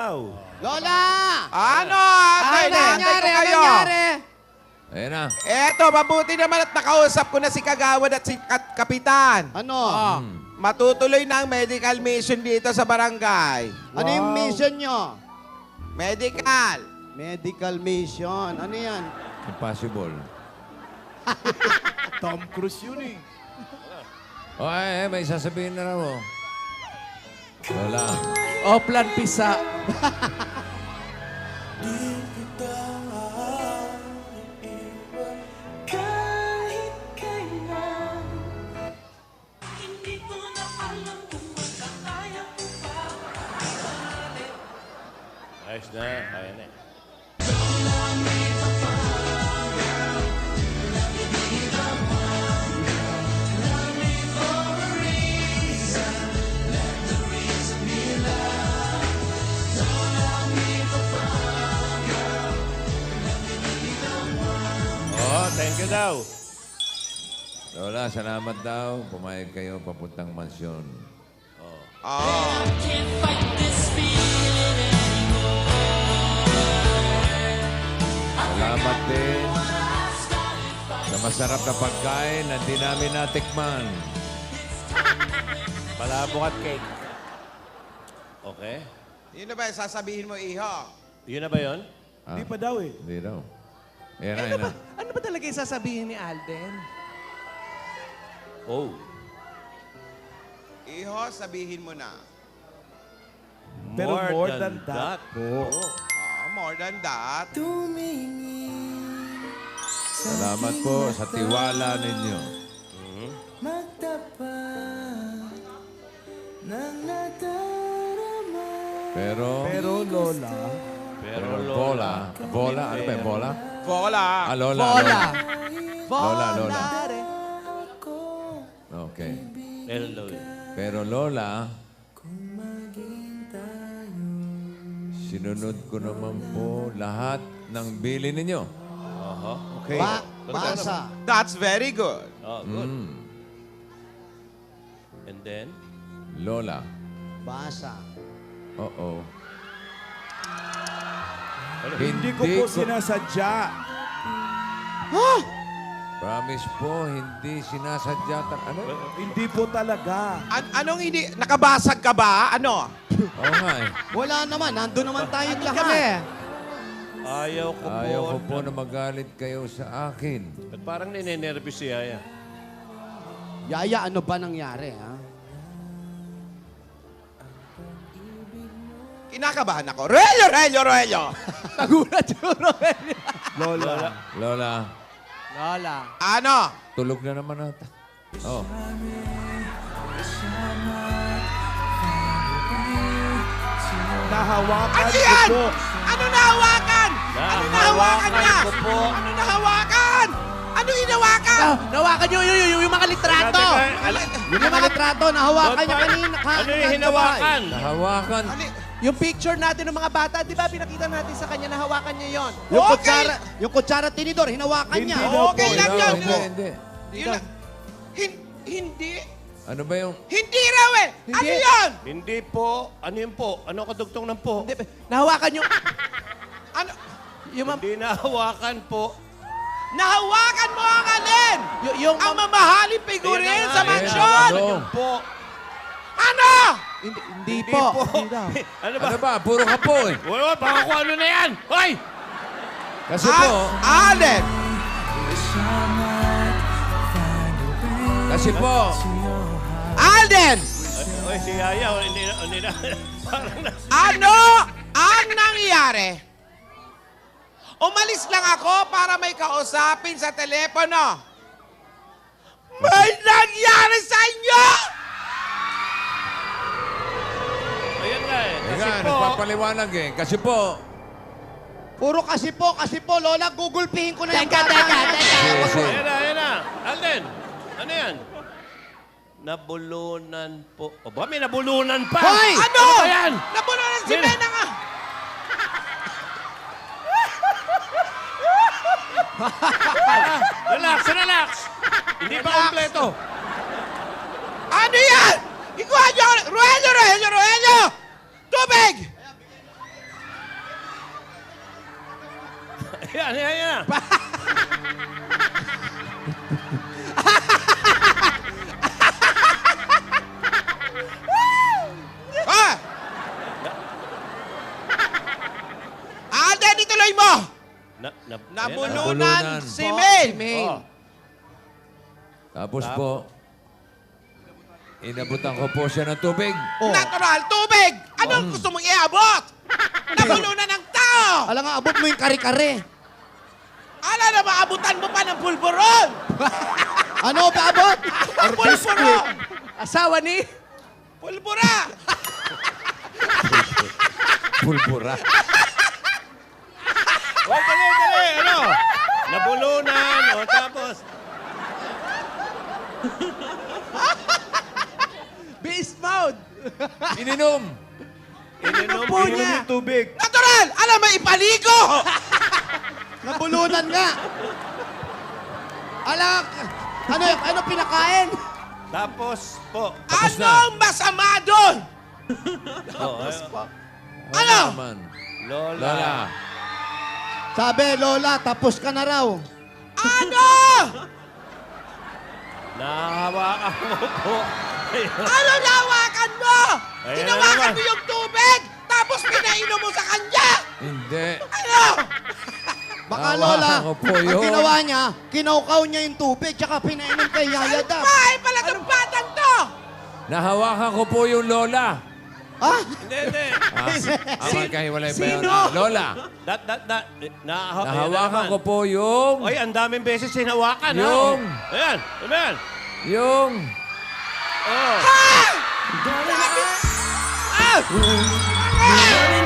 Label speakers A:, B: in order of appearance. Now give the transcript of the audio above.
A: daw.
B: Lola!
C: Ano?
B: Ano nangyari? Ano
C: kayo.
B: nangyari?
D: Ayan na.
C: Eto, mabuti naman at nakausap ko na si Kagawad at si Kapitan.
B: Ano?
C: Matutuloy na ang medical mission dito sa barangay.
B: Ano yung mission nyo?
C: Medical.
B: Medical mission. Ano yan?
D: Impossible.
A: Tom Cruise yun eh.
D: O, may sasabihin na raw. Oh. Lola.
E: O, plan pisa.
F: Kahit kailan, hindi ko na alam kung magkakaya ko pa.
A: Ayos na. Kaya na. Oh, thank you daw.
D: Lola, salamat daw. Pumayag kayo papuntang mansyon.
C: Oh.
F: Can't fight this feeling
D: Salamat din sa masarap na pagkain na di namin natikman.
A: Palabok at cake. Okay.
C: Yun na ba yung sasabihin mo, Iho?
A: Yun na ba yun?
E: Hindi pa daw eh.
D: Hindi daw. Ayan na,
E: Ano
D: ayan
E: ba,
D: na.
E: ano ba talaga yung sasabihin ni Alden?
A: Oh.
C: Iho, sabihin mo na.
E: Pero more than that po.
C: More than that.
D: Salamat po sa tiwala ninyo. Pero
E: Lola,
A: Pero
D: bola. Bola? Ano ba yung bola?
C: Vola.
D: Ah, Lola.
E: Lola.
D: Lola, Lola.
E: Volare.
D: Okay.
A: Hello.
D: Pero Lola, sinunod ko naman po lahat ng bili ninyo.
A: Aha.
E: Okay.
B: Basa.
C: That's very good.
A: Oh, good.
D: Mm.
A: And then?
D: Lola.
B: Basa.
D: Oo.
E: Hindi ko po sinasadya.
D: Promise po, hindi sinasadya. Ano?
E: Hindi po talaga.
C: Anong hindi? Nakabasag ka ba? Ano?
D: Oo nga eh.
B: Wala naman. Nandun naman tayong
E: Kami.
B: lahat.
A: Ayaw ko po.
D: Ayaw ko po na magalit kayo sa akin.
A: Ba't parang ninenervous si Yaya?
B: Yaya, ano ba nangyari, ha?
C: Kinakabahan ako. Relyo, relyo, relyo!
E: Nagulat yung Rogelio. Lola.
D: Lola,
E: Lola.
C: Ano?
D: tulog na naman ata. Oh.
E: Nahawakan
C: Ano
E: ko
C: yan?
E: po.
C: Ano nahawakan? Ano nahawakan niya?
A: ko po.
C: Ano nahawakan? Ano hinawakan?
E: Nahawakan yung mga litrato.
B: Yung mga litrato, nahawakan niya kanina.
A: Ano yung hinawakan?
D: Nahawakan.
C: Ano?
E: Yung picture natin ng mga bata, di ba pinakita natin sa kanya, nahawakan niya yon.
B: Yung
C: Okay.
B: kutsara tinidor, hinawakan niya.
C: Okay lang yan.
D: Hindi, hindi.
C: Yun lang. Hindi?
D: Ano ba yung...
C: Hindi raw eh! Ano
E: Hindi.
C: yun?
A: Hindi po. Ano yun po? Ano kadugtong ng po?
E: Hindi, nahawakan yung...
C: Ano?
E: Yung,
A: Hindi nahawakan po.
C: Nahawakan mo ang alin?
E: yung
C: Ang mamahaling figurin
A: Ayan na
C: sa
A: nga,
C: mansyon!
D: ano?
A: Yun po.
C: Ano?
E: hindi po. Hindi daw.
A: Ano ba?
D: Ano ba? Puro ka po eh.
A: Wala, baka kung ano na yan. Hoy!
D: Kasi po...
C: Alin!
D: Kasi po...
C: Alden!
A: Hoy, si Yaya. Hindi na. Parang na.
C: Ano ang nangyari? Umalis lang ako para may kausapin sa telepono. May nangyari sa inyo!
A: Ayan nga eh. Kasi
D: Ayan,
A: po.
D: nagpapaliwanag eh. Kasi po...
B: Puro kasi po, Lola, gugulpihin ko na yung
E: Teka,
B: bata.
E: teka.
D: Kasi...
A: Ayan na. Alden, ano yan? Nabulunan po. O ba, may nabulunan pa?
B: Hoy!
C: Ano?
A: ba yan?
C: Nabunulan si
A: Sino?
C: Mena nga!
A: Relax, relax. Hindi pa kompleto.
C: Ano yan? Ikuha niyo! Roelio! Roelio! Roelio! Tubig!
A: Ayan.
C: Ah! Alden, ituloy mo! Nabulunan
D: Nabulunan.
C: si May.
A: Oh.
D: Tapos po, inabutan ko po siya ng tubig.
B: Oh.
C: Natural, tubig! Anong gusto mong iabot? Nabulunan ng tao!
B: Alam nga, abot mo yung kare-kare.
C: Ala na maabutan mo pa ng pulburon!
B: Ano ba abot?
C: Pulburon!
E: Asawa ni...
C: Pulbura!
D: Pulbura.
A: Oh, dali. Ano? Nabulunan. O, tapos.
E: Beast mode!
D: Ininom.
A: Ininom
E: po niya.
A: yung tubig.
C: Natural! Alam mo, ipaligo!
B: Nabulunan nga. Alak, ano pinakain?
A: Tapos po.
D: Tapos na.
C: Anong masama doon?
A: Oh,
C: Ano?
D: naman?
A: Lola.
D: Lola.
B: Sabi, Lola, tapos ka na raw.
C: Ano?
A: Nahawakan mo po.
C: Ano nawakan mo?
A: Ayan na
C: Hinawakan
A: naman.
C: mo yung tubig, tapos pinainom mo sa kanya!
D: Hindi.
C: Ano?
B: Baka
D: Nahawakan
B: Lola,
D: ko po
B: ang
D: yun.
B: ginawa niya, kinaukaw niya yung tubig, tsaka pinainom kay Yaya Dab.
C: Bahay pala itong batang to!
D: Nahawakan ko po yung Lola.
B: Ha?
A: Hindi.
D: Magkahiwalay pa yun.
E: Sino?
D: Lola.
A: Ayan
D: Nahawakan ko
A: na naman.
D: po yung...
A: Oy, ang daming beses hinawakan. ha?
D: Yung-
A: Ayan. Ayan.
D: Yung...
A: Oh.
C: Ah!